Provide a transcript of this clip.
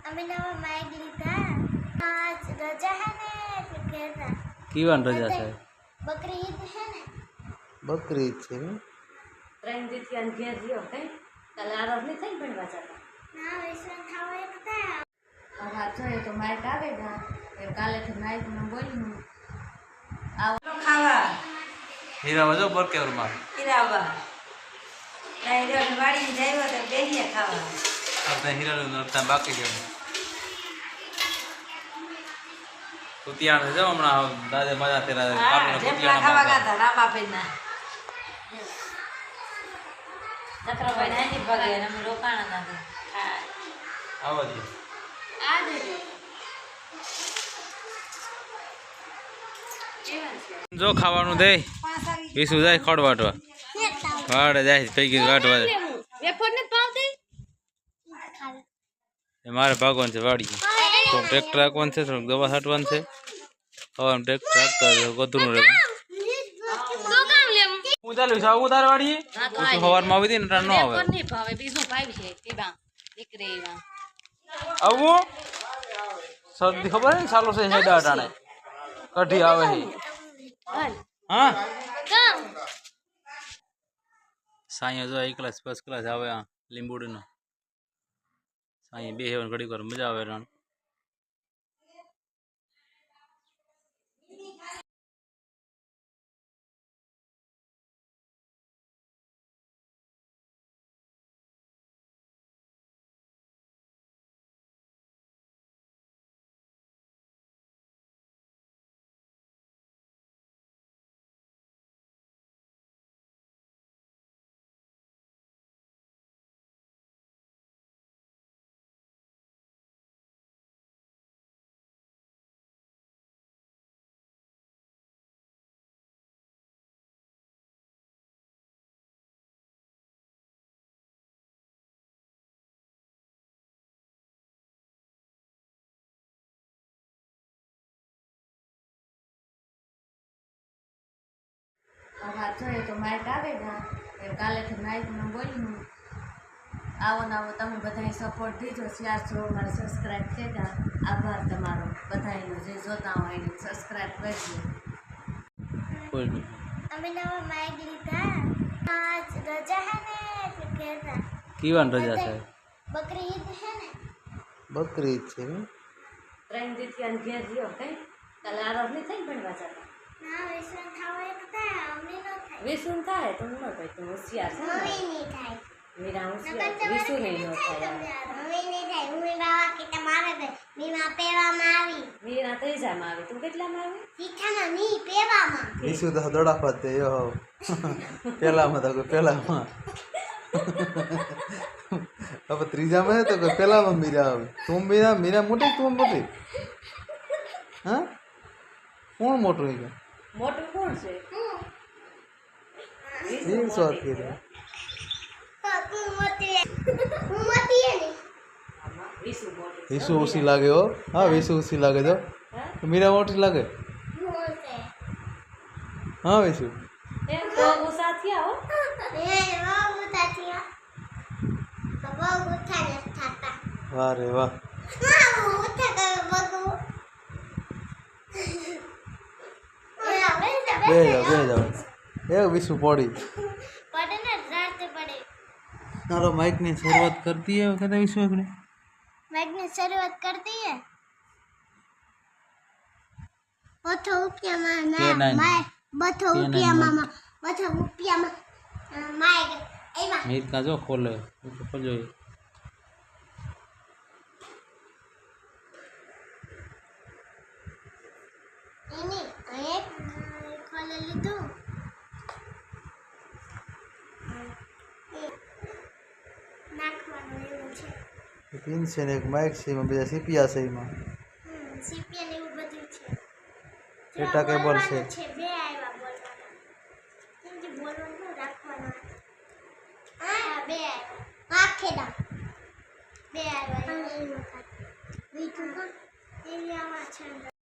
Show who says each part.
Speaker 1: અમે નવા માઇક લીધા आज रजा है ने એટલે કહેતા
Speaker 2: કીવાન રજા છે
Speaker 1: બકરી ઈદ है ने
Speaker 2: બકરી ઈદ છે
Speaker 3: ત્રણ દીથી અન ઘેર રહ્યો કઈ કાલે આરસ ની થઈ ભણવા જતા
Speaker 1: ના વિશ્વાસ થાવ એક હતા
Speaker 3: હા જોઈએ તો માઇક આવે ને એ કાલેથી માઇક માં બોલ્યું આવો ખાવા
Speaker 2: હીરા જો બરકેવર માં
Speaker 3: હીરાવા ડાયરો વાડી જાયો તો બેહીએ ખાવા
Speaker 2: આપણે હીરા નરતા બાકી ગયો કુતિયાણ જો હમણાં દાદે મજા તેરા કાપને કુતિયાણ
Speaker 3: ખાવા ગાતા રામાપેના ચક્રભાઈ નાની ભગે ને અમે રોકાણા હતા હા
Speaker 2: આવો જી
Speaker 1: આ દે
Speaker 2: જો ખાવાનું દે વિસુ જાય ખડવાટવા વાડે જાય પૈકી વાટવા
Speaker 1: વેફર ને પાવતી
Speaker 2: મારે ભાગવાનું છે વાડી તો ટ્રેક્ટર રાખવાનું છે થોડુંક દવા છાંટવાનું છે હવે ટ્રેક્ટર રાખતા ગધરું રહે હું ચાલુ છું આવું તાર વાડીએ સવારમાં આવી હતી ને ન આવે
Speaker 3: ભાવે બીજું ભાઈ છે પીબા દીકરી એવા
Speaker 2: આવું શરદી ખબર ને ચાલુ છે હેડા અટાણે કઢી આવે છે હા સાંઈ જો એક ક્લાસ ફર્સ્ટ ક્લાસ આવે આ લીંબુડીનો સાંઈ બે હેવન ઘડી કર મજા આવે રાણ
Speaker 3: હા જોઈએ તો માઇક આવે ને એ કાલેથી માઇક માં બોલ્યું આવો ને આવો તમે બધાએ સપોર્ટ દીધો શેર છો મારે સબસ્ક્રાઈબ થઈ ગયા આભાર તમારો બધાનો જે જોતા હોય એને સબસ્ક્રાઈબ કરજો
Speaker 1: અમે નવા માઇક લીધા आज रजा है ने એટલે કહેતા
Speaker 2: કીવાન રજા છે
Speaker 1: બકરી ઈદ है ने
Speaker 2: બકરી ઈદ છે
Speaker 3: ત્રણ દીથી અન ઘેર રહ્યો કઈ કાલે આરસ ની થઈ ભણવા જતા
Speaker 1: ના વિશ્વાસ થાવ એક હતા અમે ન થાય
Speaker 3: વિસુન થાય તો ન થાય તો હોશિયાર છે
Speaker 1: હવે નહીં થાય
Speaker 3: મીરા હોશિયાર વિસુ નહીં ન થાય
Speaker 1: હવે નહીં થાય હું બાવા કે તમારે મીમા પેવામાં આવી
Speaker 3: મીરા ત્રીજામાં આવી તું કેટલામાં આવી
Speaker 1: તીઠામાં ની પેવામાં
Speaker 2: ઈસુ તો દડા પાતે યો પેલામાં તો પેલામાં अब ત્રીજા में तो પેલામાં મીરા આવે તું મીરા મોટી તું મોટી હા કોણ મોટું છે
Speaker 3: મોટું કોણ છે
Speaker 2: એ સોત કીધું
Speaker 1: હું મોતી હે ને
Speaker 3: વિસુ મોટું
Speaker 2: વિસુ ઓછી લાગે હો હા વિસુ ઓછી લાગે તો મીરા મોટી લાગે
Speaker 1: મોતે
Speaker 2: હા વિસુ
Speaker 3: એ બહુ ગુસ્સા થયા હો
Speaker 1: એ બહુ તાતિયા બહુ ગુસ્સા ન થતા
Speaker 2: વાહ રે વાહ
Speaker 1: હા હું ઉઠા કર બગુ
Speaker 2: બે જાવ એ વિસુ પડી
Speaker 1: પડે ને રાત પડે
Speaker 2: તારો માઇક ની શરૂઆત કરતી है कहता विसु આપણે
Speaker 1: माइक ने शुरुआत कर दी है बथो उपिया मामा माइक बथो उपिया मामा बथो उपिया माइक एवा
Speaker 2: मीर का जो खोले खोल जो
Speaker 1: इनी एक खोले लीधो નાખવાનું એવું છે
Speaker 2: પિન છે ને એક માઇક છે એમાં બીજા સીપિયા છે એમાં
Speaker 1: સીપીએન એવું બધું છે
Speaker 2: ડેટા કેબલ છે
Speaker 1: બે આવ્યા બોલવાના કેમ કે બોલવાનું રાખવાનું હા બે આવ્યા આખેડા બે આવ્યા એ વખત બીજું એ આવા છે